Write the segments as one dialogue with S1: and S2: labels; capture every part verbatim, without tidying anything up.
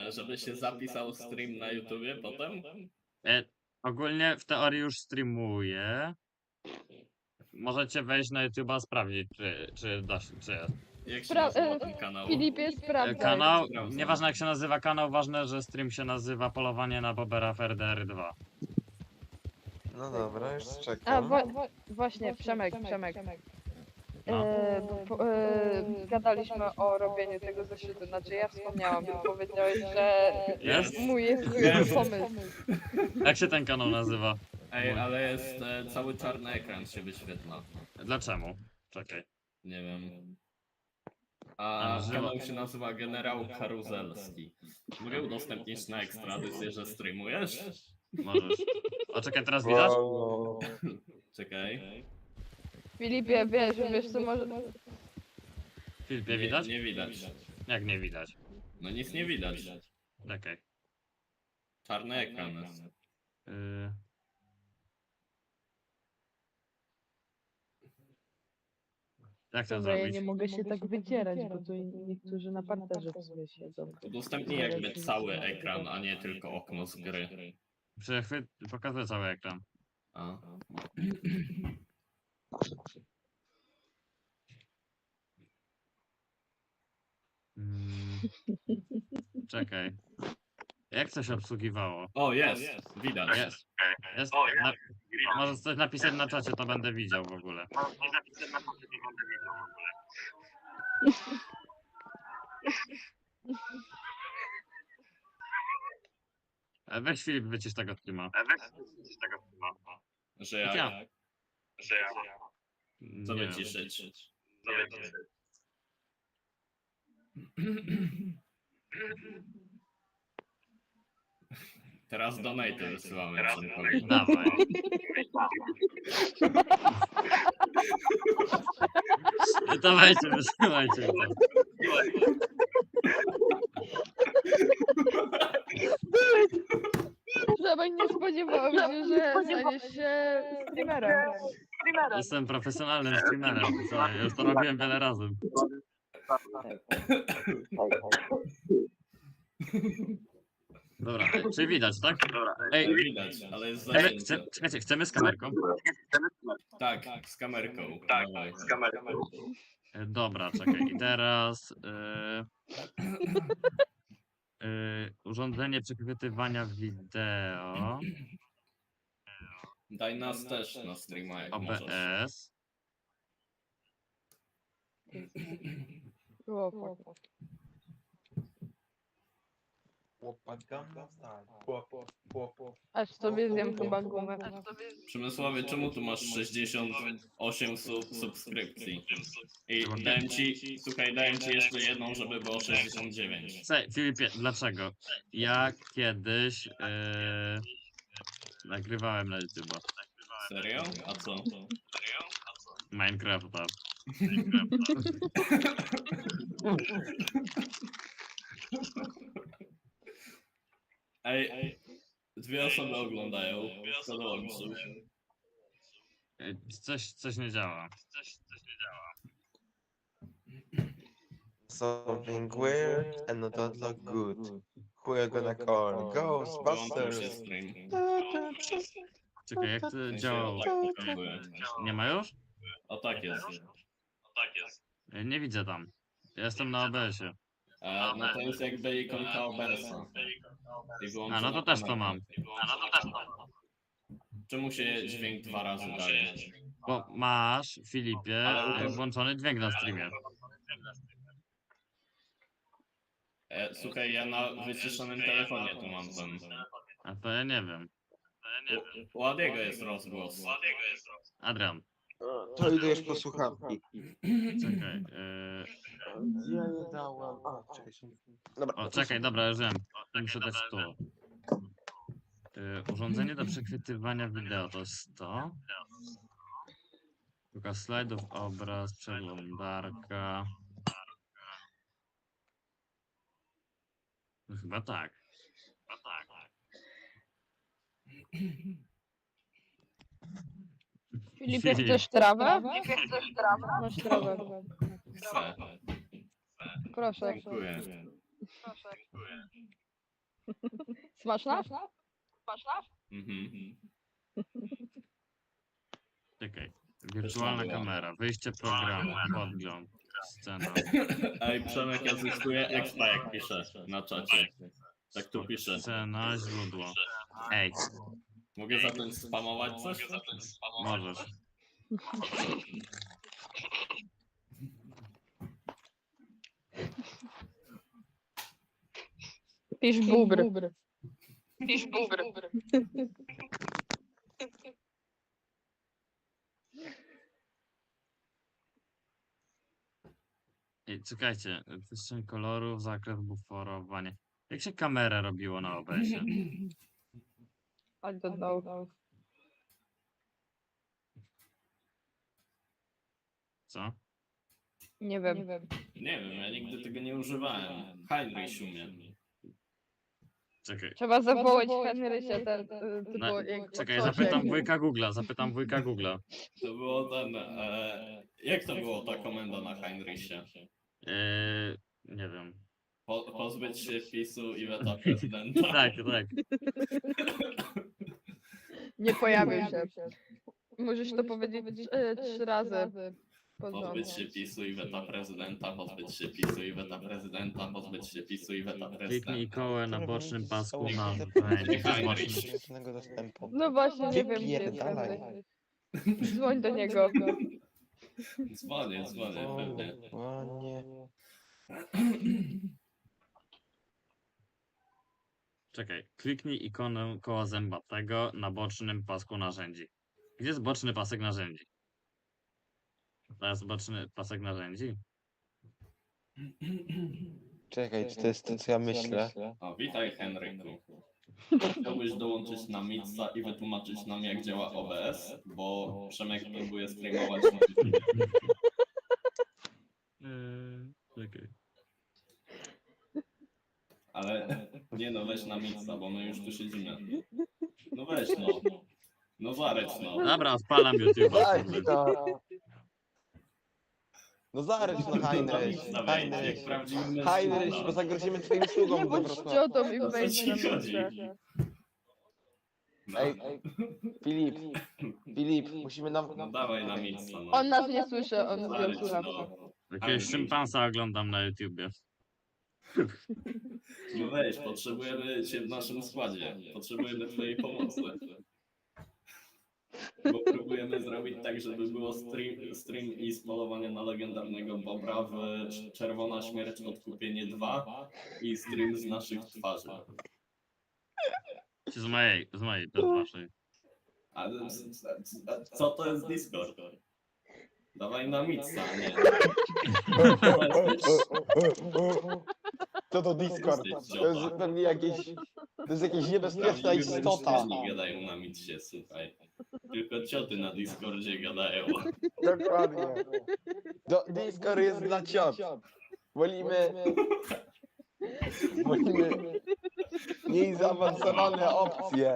S1: żeby się zapisał stream na YouTubie potem?
S2: E, ogólnie w teorii już streamuję. Możecie wejść na YouTube'a, sprawdzić, czy, czy da się, czy jest.
S1: Jak się
S3: Spra-
S1: nazywa
S3: e,
S1: ten kanał?
S3: Filipie,
S2: E,
S3: sprawdzaj.
S2: kanał,
S1: Sprawdzam.
S2: nieważne jak się nazywa kanał, ważne, że stream się nazywa Polowanie na Bobera w R D R dwa.
S4: No dobra, już
S3: A
S4: czekam.
S3: wa- właśnie, Przemek, Przemek.
S2: No.
S3: E, bo, po, e, gadaliśmy o robieniu tego zeszytu, znaczy ja wspomniałam, ty powiedziałeś, że
S2: Jest?
S3: mój jest zły
S1: Jest.
S3: pomysł.
S2: Jak się ten kanał nazywa?
S1: Ej, ale jest e, cały czarny ekran się wyświetla.
S2: Dlaczego? Czekaj.
S1: Nie wiem.
S2: A,
S1: A
S2: nazywa-
S1: kanał się nazywa Generał Karuzelski. Mogę udostępnić na ekstradycję, że streamujesz?
S2: Możesz. O, czekaj, teraz widać?
S4: Wow.
S1: Czekaj.
S3: Filipie, wiesz, wiesz co może...
S2: Filipie
S1: Nie,
S2: widać?
S1: nie widać.
S2: Jak nie widać?
S1: No nic nie widać.
S2: Czekaj.
S1: Czarny ekran jest.
S2: Y... Jak to
S3: Dobra, ja
S2: zrobić?
S3: nie mogę się tak wycierać, bo tu niektórzy na parterze w sumie siedzą.
S1: Udostępnij jakby cały ekran, a nie tylko okno z gry.
S2: Przechwyt, pokazuję cały ekran.
S1: A.
S2: Mm. Czekaj. Jak to się obsługiwało?
S1: O, jest! Widać.
S2: Jest. Jest. Na... Możesz coś napisać na czacie, to będę widział w ogóle. E, Weź Filip, wycisz tego streama.
S1: Że
S2: Ja.
S1: jak? Co
S2: Nie wiem.
S1: wyciszyć? Teraz donate wysyłamy Przemkowi.
S2: Dawaj. Dawajcie, wysyłajcie to.
S3: Przemek, nie spodziewałam się, że staniesz się streamerem.
S2: Jestem profesjonalnym streamerem. Słuchaj, już to robiłem wiele razy. Dobra, ej, czy widać, tak? Ej,
S1: Widać, ale jest
S2: chcemy,
S1: zajęcie.
S2: chce, czekajcie, chcemy z kamerką?
S1: Tak, z kamerką. Tak, z kamerką.
S2: E, Dobra, czekaj. I teraz e, e, urządzenie przechwytywania wideo,
S1: Daj nas też na streama, jak możesz.
S2: O B S.
S3: O, fuck. Aż sobie zjem chyba gumę.
S1: Przemysławie, czemu tu masz sześćdziesiąt osiem sub subskrypcji? I dałem ci, słuchaj, dałem ci jeszcze jedną, żeby było sześćdziesiąt dziewięć.
S2: Słuchaj, Filipie, dlaczego? Ja kiedyś e, nagrywałem na YouTube'a
S1: Serio? A co?
S2: Minecrafta.
S1: Ej, dwie osoby oglądają. Co dołączył?
S2: E, Coś, coś nie działa.
S4: Something weird and not look good. Who you gonna call?
S1: Wyłączył się
S4: Ghostbusters.
S1: stream.
S2: Czekaj, jak to
S1: W sensie,
S2: działało?
S1: tak pokazuje.
S2: Nie ma już?
S1: O tak jest.
S2: E, Nie widzę tam. Ja jestem na O B S-ie.
S1: E, no to jest jakby ikonka O B S-a. I
S2: A,
S1: wyłączona
S2: no to też to
S1: kamerka.
S2: mam.
S1: Czemu się dźwięk dwa razy daje?
S2: Bo masz, Filipie, e, włączony dźwięk na streamie.
S1: E, słuchaj, ja na wyciszonym telefonie tu mam ten.
S2: A to ja nie wiem.
S1: U, u Adiego jest rozgłos.
S2: Adrian,
S4: To idę już po słuchawki.
S2: czekaj. E,
S4: Gdzie ja je dałem? A, czekaj. się- Dobra.
S2: O, czekaj, dobra, już wiem. Muszę dać tu. E, urządzenie do przechwytywania wideo to jest to. Pokaz slajdów, obraz, przeglądarka. No chyba tak. Chyba tak.
S3: Filipie,
S2: Filip.
S3: chcesz trawę? Masz trawę.
S1: Chcę.
S3: Proszę.
S1: Dziękuję.
S3: Smaczna? Smaczna?
S1: Mhm.
S2: Czekaj. Wirtualna kamera, wyjście programu, podgląd, scena.
S1: Ej, Przemek, ja zyskuję expa, jak piszę na czacie. Tak tu piszę.
S2: Scena, źródło. Ej,
S1: Mogę zacząć spamować coś?
S2: możesz.
S3: Pisz bubr. Pisz bubr.
S2: Ej, czekajcie, przestrzeń kolorów, zakres buforowanie. Jak się kamerę robiło na O B S-ie?
S3: I don't know.
S2: Co?
S3: Nie wiem.
S1: Nie wiem, ja nigdy tego nie używałem. Heinrich umie.
S2: Czekaj.
S3: Trzeba zawołać Henrysia, ten, y, to
S2: Na-
S3: było jak
S2: Czekaj,
S3: coś
S2: zapytam
S3: jak-
S2: wujka Google'a, zapytam wujka Google'a.
S1: To było ten... E, jak to było ta komenda na Heinrichie?
S2: Eee, nie wiem.
S1: Po, pozbyć się wpisu i weta prezydenta.
S2: Tak, tak.
S3: Nie pojawił się. Możesz to powiedzieć trzy, trzy razy. pod rząd.
S1: Pozbyć się PiSu i weta prezydenta, pozbyć się PiSu i weta prezydenta, pozbyć się PiSu i weta
S2: Kliknij
S1: prezydenta.
S2: kołem na bocznym pasku na
S1: Heinrich.
S2: bocznym.
S4: Żadnego dostępu.
S3: No właśnie, nie wiem, gdzie jest
S4: Wypierdalaj.
S3: Henryś. Dzwoń do niego.
S1: Dzwonię, dzwonię, pewnie.
S4: Ładnie.
S2: Czekaj, kliknij ikonę koła zębatego na bocznym pasku narzędzi. Gdzie jest boczny pasek narzędzi? To jest boczny pasek narzędzi?
S4: Czekaj, czy to jest to, co ja myślę?
S1: O, witaj Henryku. Chciałbyś dołączyć na Mitsa i wytłumaczyć nam, jak działa O B S, bo Przemek próbuje streamować na YouTube.
S2: Eee, czekaj.
S1: Ale nie no, weź na Mitsa, bo my już tu siedzimy. No weź no. No zareć no.
S2: Dobra, odpalam YouTube'a.
S4: Daj
S2: kurde.
S4: to! No zareć no
S1: Na
S4: Heinrich,
S1: Mitsa wejdź, jak
S4: Heinrich.
S1: prawdziwy
S4: Heinrich,
S1: mężczyzna.
S4: bo zagrozimy twoim
S3: Nie
S4: sługom po
S3: bądź
S4: prostu.
S3: ciotą i
S1: O co
S3: wejdź
S1: ci
S3: na
S1: chodzi?
S3: miejsce.
S1: No,
S4: Ej, Filip, Filip, musimy nam...
S1: no dawaj na Mitsa no.
S3: On nas nie słyszy, on
S1: Zareć
S3: zdjął słuchawkę.
S1: no.
S2: Jakiegoś szympansa oglądam na YouTubie.
S1: No weź, potrzebujemy cię w naszym składzie. Potrzebujemy twojej pomocy. Bo próbujemy zrobić tak, żeby było stream, stream i z polowania na legendarnego Bobra w Czerwona Śmierć Odkupienie dwa i stream z naszych twarzy.
S2: Czy z mojej, z mojej, to z waszej.
S1: Ale c- c- co to jest Discord? Dawaj na Mitsa, nie.
S4: Co to Discord? To jest pewnie jakieś... To jest jakieś niebezpieczna istota.
S1: Mężczyźni gadają na Mitsie, słuchaj. Tylko cioty na Discordzie gadają.
S4: Dokładnie. Do, Discord jest dla ciot. Wolimy... Wolimy mniej zaawansowane opcje.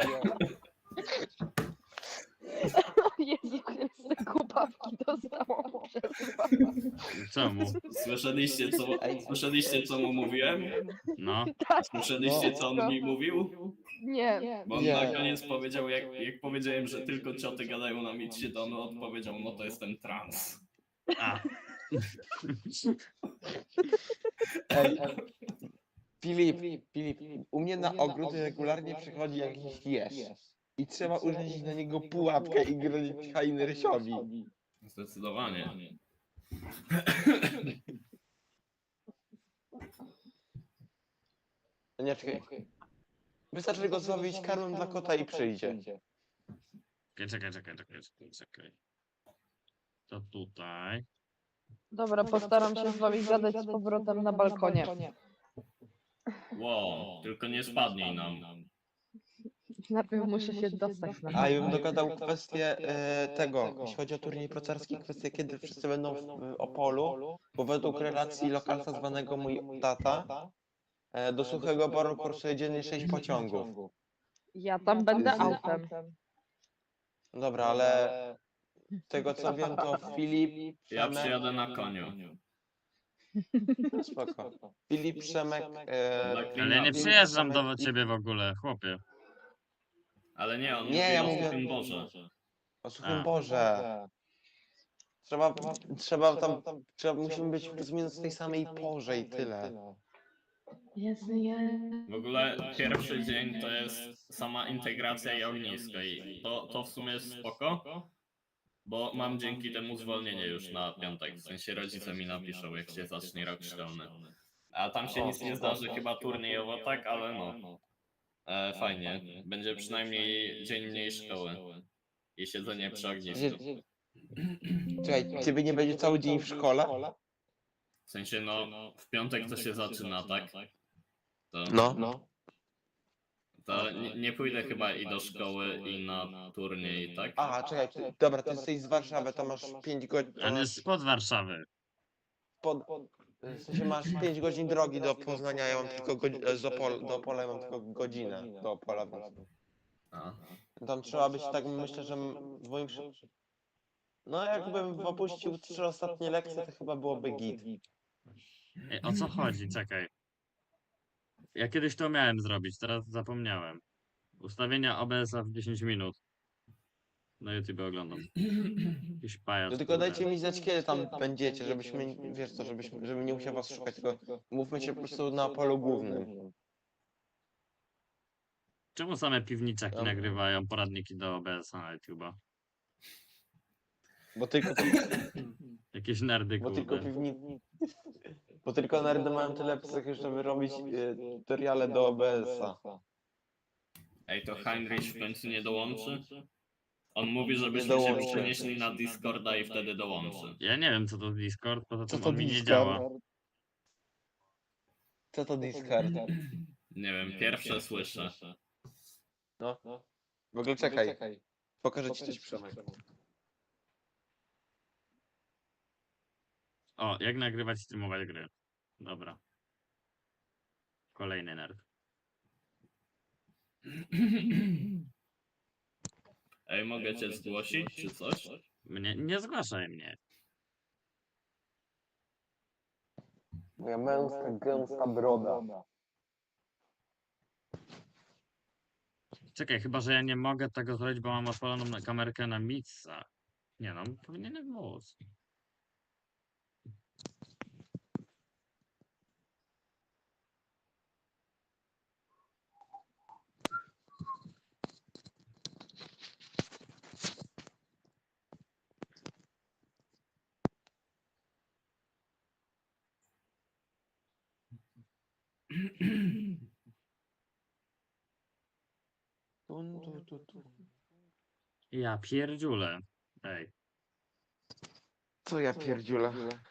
S3: O Jezu Chryste, kupawki dostałam przez was.
S2: Czemu?
S1: Słyszeliście co, słyszeliście, co mu mówiłem?
S2: No.
S3: Tak,
S1: Słyszeliście, co on mi mówił?
S3: nie.
S1: Bo on
S4: Nie.
S1: na koniec powiedział, jak, jak powiedziałem, że tylko cioty gadają na Mitsie, to on odpowiedział, no to jestem trans.
S2: A.
S4: Ej, Filip, Filip, u mnie na ogród regularnie przychodzi jakiś jeż. I trzeba urządzić na niego pułapkę i grozić Heinrichowi.
S1: Zdecydowanie.
S4: Nie, czekaj. Wystarczy go złowić karmą dla kota i przyjdzie.
S2: Czekaj, czekaj, czekaj, czekaj, czekaj, czekaj. To tutaj.
S3: Dobra, postaram się z wami gadać z powrotem na balkonie.
S1: Wow, tylko nie spadnij nam.
S3: Najpierw muszę się dostać na
S4: A ja bym dogadał kwestię e, tego, jeśli chodzi o turniej procarski, kwestię kiedy wszyscy będą w, w Opolu, bo według relacji lokalca zwanego mój tata, e, do Suchego Boru kursuje dziennie sześć pociągów.
S3: Ja tam będę autem.
S4: Dobra, ale z tego co wiem to Filip,
S1: Ja
S4: Przemek,
S1: przyjadę na koniu.
S4: No spoko. Filip, Przemek... E,
S2: Ale ja nie
S1: Filip,
S2: przyjeżdżam do
S4: Przemek i-
S2: ciebie w ogóle, chłopie.
S1: Ale nie, on
S4: Nie,
S1: mówi
S4: ja
S1: o
S4: mówię-
S1: Suchym Boże.
S4: O Suchym
S2: A.
S4: Boże. Trzeba, trzeba tam, trzeba, musimy być plus minus w tej samej porze i tyle.
S3: Jezu, nie.
S1: W ogóle pierwszy dzień to jest sama integracja i ognisko i to, to w sumie jest spoko, bo mam dzięki temu zwolnienie już na piątek, w sensie rodzice mi napiszą, jak się zacznie rok szkolny. A tam się nic nie zdarzy, chyba turniejowo tak, ale no. E, fajnie, będzie przynajmniej dzień mniej szkoły i siedzenie przy ognisku.
S4: Czekaj, ciebie nie będzie cały dzień w szkole?
S1: W sensie no, w piątek to się zaczyna, tak? To,
S4: No.
S1: to nie, nie pójdę chyba i do szkoły i na turniej, tak?
S4: Aha, czekaj, ty, dobra, ty jesteś z Warszawy, to masz pięć godzin, to
S2: On
S4: masz,
S2: jest spod Warszawy.
S4: pod, w sensie masz pięć godzin drogi do Poznania, ja mam tylko godzinę, do, Opol, do Opola ja mam tylko godzinę do Opola, więc
S1: A.
S4: tam trzeba być, tak myślę, że m- w moim... przy- No jakbym opuścił trzy ostatnie lekcje, to chyba byłoby git.
S2: Ej, o co chodzi? Czekaj. Ja kiedyś to miałem zrobić, teraz zapomniałem. Ustawienia O B S-a w dziesięć minut. Na YouTube oglądam. Jakiś pajac.
S4: No tylko
S2: kurde.
S4: dajcie mi znać, kiedy tam będziecie, żebyśmy, wiesz co, żebyśmy, żebym nie musiał was szukać, tylko mówmy się po prostu na polu głównym.
S2: Czemu same piwniczaki
S4: Tam-
S2: nagrywają poradniki do O B S-a na YouTube'a?
S4: Bo tylko,
S2: Jakieś nerdy,
S4: bo tylko
S2: kurde.
S4: piwni... Bo tylko nerdy mają tyle psychy, żeby robić e, tutoriale do O B S-a.
S1: Ej, to Heinrich w końcu nie dołączy? On mówi, żebyśmy się
S4: dołączy.
S1: przenieśli na Discorda i wtedy dołączy.
S2: Ja nie wiem co to Discord, poza
S4: Co
S2: tym
S4: to
S2: on mi nie
S4: Discord?
S2: działa.
S4: Co to Discord?
S1: Nie wiem, pierwsze słyszę.
S4: No. W ogóle czekaj, pokażę ci coś, Przemek.
S2: O, jak nagrywać i streamować gry. Dobra. Kolejny nerd.
S1: Ej, mogę cię zgłosić, czy coś?
S2: Mnie, nie zgłaszaj mnie.
S4: Moja męska, gęsta broda.
S2: Czekaj, chyba że ja nie mogę tego zrobić, bo mam odpaloną na kamerkę na Mitsa. Nie no, powinienem móc.
S4: Tun, tu, tu, tu.
S2: Ja pierdziule. Ej,
S4: Co ja pierdziule?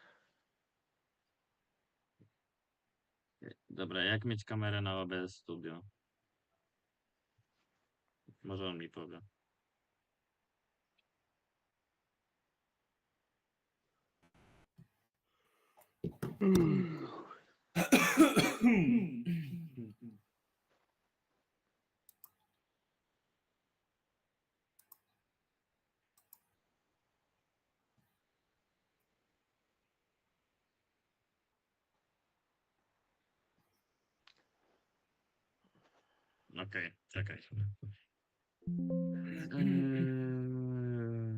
S2: dobra, jak mieć kamerę na O B S Studio? Może on mi powie. Okej, czekaj. Eee,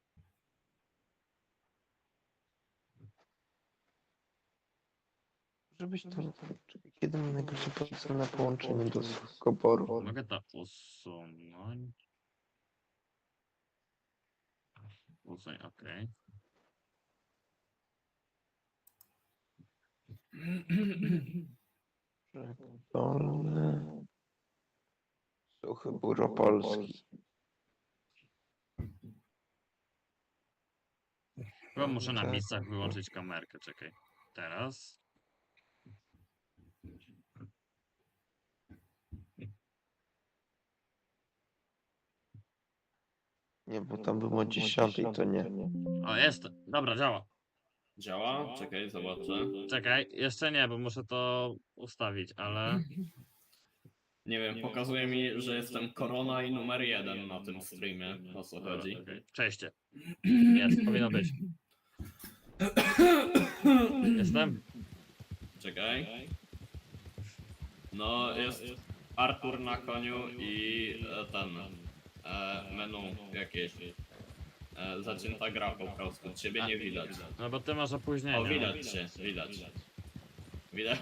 S4: Żebyś to... Czekaj, kiedy mam najbliższy pomysł na połączenie do Suchoboru?
S2: Mogę to usunąć. Usuń, okej.
S4: Dolny... Suchy Bór Opolski.
S2: Chyba muszę na
S4: Tak.
S2: miejscach wyłączyć kamerkę, czekaj. Teraz.
S4: Nie, bo tam było o dziesiątej, to nie.
S2: O, jest. Dobra, działa.
S1: Działa? Czekaj, zobaczę.
S2: Czekaj, jeszcze nie, bo muszę to ustawić, ale...
S1: Nie wiem, pokazuje mi, że jestem korona i numer jeden na tym streamie. O co
S2: Dobra,
S1: chodzi?
S2: okej. Cześć. Jest, powinno być. Jestem?
S1: Czekaj. No, jest Artur na koniu i e, ten e, menu jakieś. E, zacięta gra po prostu. Ciebie nie widać.
S2: No bo ty masz opóźnienie.
S1: O, widać cię, widać. Widać?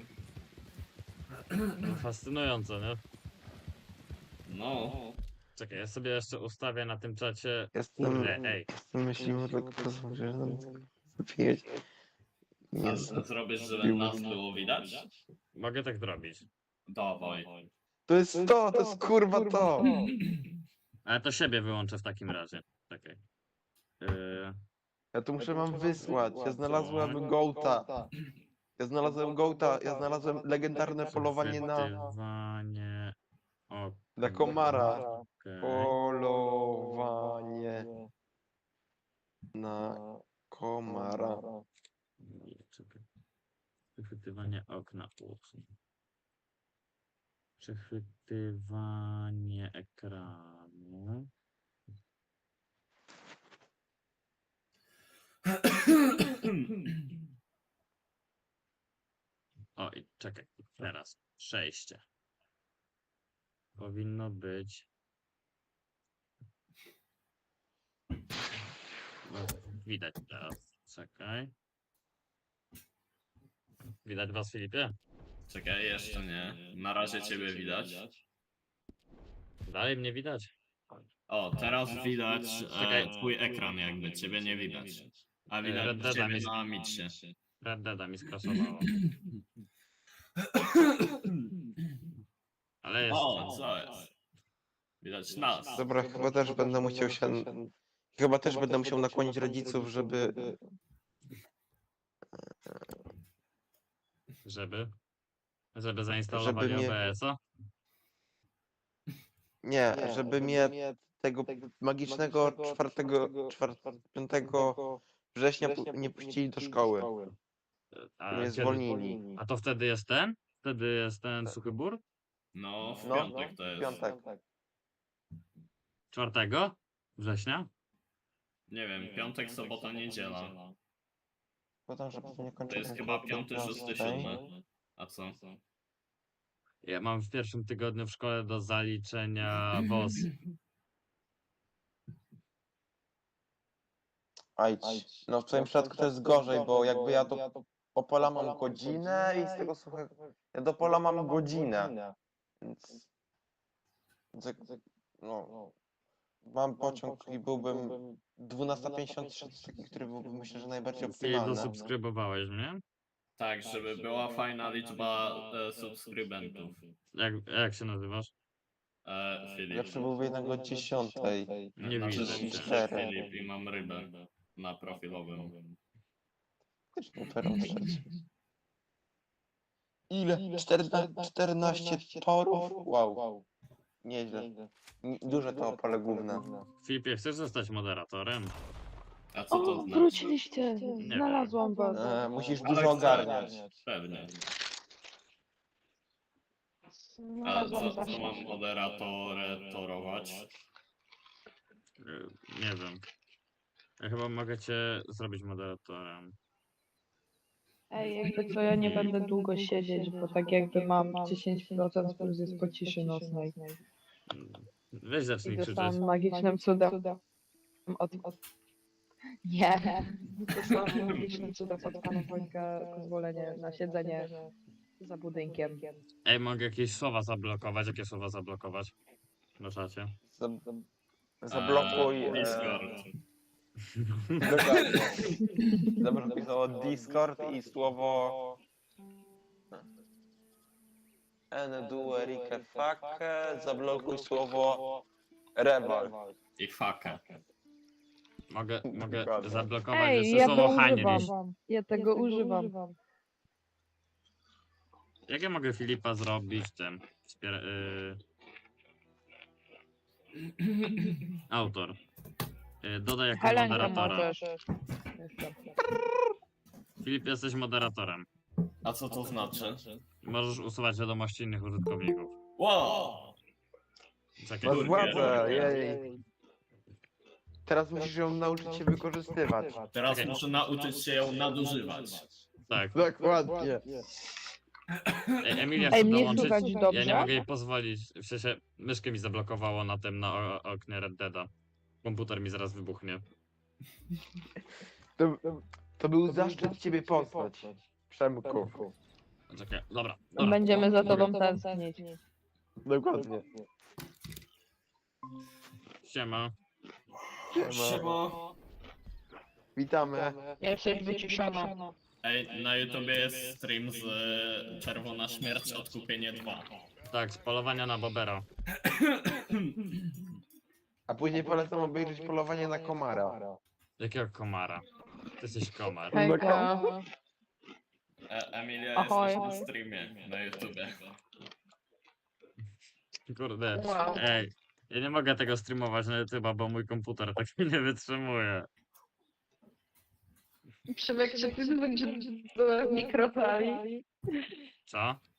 S2: No, fascynujące, nie?
S1: No.
S2: Czekaj, ja sobie jeszcze ustawię na tym czacie.
S4: Jestem,
S2: Kurde, ej.
S4: myślimy, że pozwól, że nam wypić.
S1: A z- zrobisz, żeby nas było widać?
S2: Mogę tak zrobić.
S1: Dawaj.
S4: To jest to, to jest kurwa to.
S2: Ale to siebie wyłączę w takim razie. Czekaj. Yy,
S4: Ja tu muszę wam wysłać. Ja znalazłem Gołta. Ja znalazłem Gołta, ja znalazłem legendarne polowanie na,
S2: Chwytywanie o,
S4: na komara.
S2: okej.
S4: Polowanie na komara.
S2: Nie, czekaj. Przechwytywanie okna. Ups. Przechwytywanie ekranu. O, i czekaj. Teraz. Przejście. Powinno być. No, widać teraz. Czekaj. Widać was, Filipie?
S1: Czekaj, jeszcze nie. Na razie ciebie widać.
S2: Dalej mnie widać?
S1: O, teraz widać
S2: Czekaj.
S1: e, twój ekran jakby, ciebie nie widać. A
S2: Red
S1: widać
S2: Deada
S1: ciebie
S2: mi-
S1: na micie.
S2: Red Deada mi skrasowało. Ale jest.
S1: O, co jest? Widać nas.
S4: Dobra, chyba też będę musiał się... Chyba też będę musiał nakłonić rodziców, żeby...
S2: Żeby? Żeby zainstalowali
S4: Żeby mnie-
S2: O B S-a?
S4: Nie, żeby mnie tego magicznego czwartego, piątego września pu- nie puścili do szkoły.
S2: A,
S4: Mnie
S2: kiedy?
S4: zwolnili.
S2: A to wtedy jest ten? Wtedy jest ten suchy bur?
S1: No, w
S4: No,
S1: piątek to
S4: w
S1: jest.
S4: piątek.
S2: czwartego września?
S1: Nie wiem, piątek, sobota, niedziela.
S4: Potem, że pewnie
S1: To
S4: kończę
S1: jest chyba piąty, szósty, siódmy. A co?
S2: Ja mam w pierwszym tygodniu w szkole do zaliczenia W O S.
S4: Ajdź. No w twoim przypadku to jest gorzej, bo jakby ja do Opola mam godzinę i z tego suchego... Ja do Opola mam godzinę. Więc... więc jak- No... Mam pociąg i byłbym dwunasta pięćdziesiąt trzy, to jest taki, który byłby myślę, że najbardziej
S2: Ty
S4: optymalny.
S2: dosubskrybowałeś mnie?
S1: Tak, żeby była fajna liczba e, subskrybentów.
S2: Jak, jak się nazywasz?
S1: E, Filip.
S4: Lepszy byłby jednak do dziesiątej.
S2: Nie
S1: Znaczy,
S2: widzę
S1: że
S2: cię.
S4: cztery.
S1: Filip i mam rybę na profilowym.
S4: Też operą trzeci. Ile? czternaście, czternaście torów? Wow. Nieźle. Ni- Duże to Opole główne.
S2: Filipie, chcesz zostać moderatorem?
S1: A co to
S3: O,
S1: znaczy?
S3: wróciliście!
S2: wiem.
S3: Znalazłam was.
S4: E, musisz
S1: Ale
S4: dużo
S1: chcę.
S4: ogarniać.
S1: Pewnie. A
S3: Znalazłam
S1: co, co
S3: Zasię.
S1: mam moderatorę torować?
S2: Y, Nie wiem. Ja chyba mogę cię zrobić moderatorem.
S3: Ej, jakby co, ja nie będę długo siedzieć, bo tak jakby mam dziesięć procent plus jest po ciszy nocnej.
S2: Mm, Weź
S3: I
S2: zacznij krzyczeć.
S3: dostałam magicznym cudem od... od... Nie! Dostałam magicznym cudem od pana Wojtka pozwolenie na siedzenie za budynkiem.
S2: Ej, mogę jakieś słowa zablokować? Jakie słowa zablokować? Na czacie.
S4: Zab- Zablokuj...
S1: E,
S4: e,
S1: Discord.
S4: Dokładnie. Zablokuj słowo Discord i słowo... Endue Rike Fake. Zablokuj słowo Rewal.
S1: I fakę.
S2: Mogę, mogę
S4: Dokładnie.
S2: zablokować
S3: Ej,
S2: jeszcze
S3: ja to
S2: słowo Heinrich.
S3: używam. Ja tego używam.
S2: Jak ja mogę Filipa zrobić tym? Wspiera, y... Autor. Y, dodaj jako
S3: Helenka
S2: moderatora.
S3: możesz.
S2: Filip, jesteś moderatorem.
S1: A co to znaczy?
S2: Możesz usuwać wiadomości innych użytkowników.
S1: Wow!
S2: Czekaj.
S4: Masz władzę, jej. Teraz musisz ją nauczyć się wykorzystywać.
S1: Teraz
S2: Czekaj.
S1: muszę nauczyć się ją nadużywać.
S2: Tak.
S4: Dokładnie.
S2: Ej, Emilia
S3: Ej,
S2: chce
S3: mnie
S2: dołączyć.
S3: słychać
S2: Ja nie
S3: dobrze?
S2: mogę jej pozwolić. W sensie myszkę mi zablokowało na tym, na o- oknie Red Deada. Komputer mi zaraz wybuchnie.
S4: To, to był zaszczyt ciebie poznać, Przemku.
S2: Czekaj, dobra. dobra.
S3: Będziemy za tobą tęsknić.
S4: Dokładnie.
S2: Siema.
S4: Siema. Witamy.
S3: Jesteś wyciszona.
S1: Ej, na YouTubie jest stream z e, Czerwona Śmierć Odkupienie dwa.
S2: Tak, z polowania na Bobera.
S4: A później polecam obejrzeć polowanie na komara.
S2: Jakiego komara? Ty jesteś komar.
S3: Hejka.
S1: E, Emilia
S3: Ahoj.
S1: jesteś na streamie na YouTubie.
S2: Kurde.
S3: Wow.
S2: Ej, ja nie mogę tego streamować na YouTube'a, bo mój komputer tak nie wytrzymuje.
S3: Przemek, czy ty będziesz do mikrofali?
S2: Co?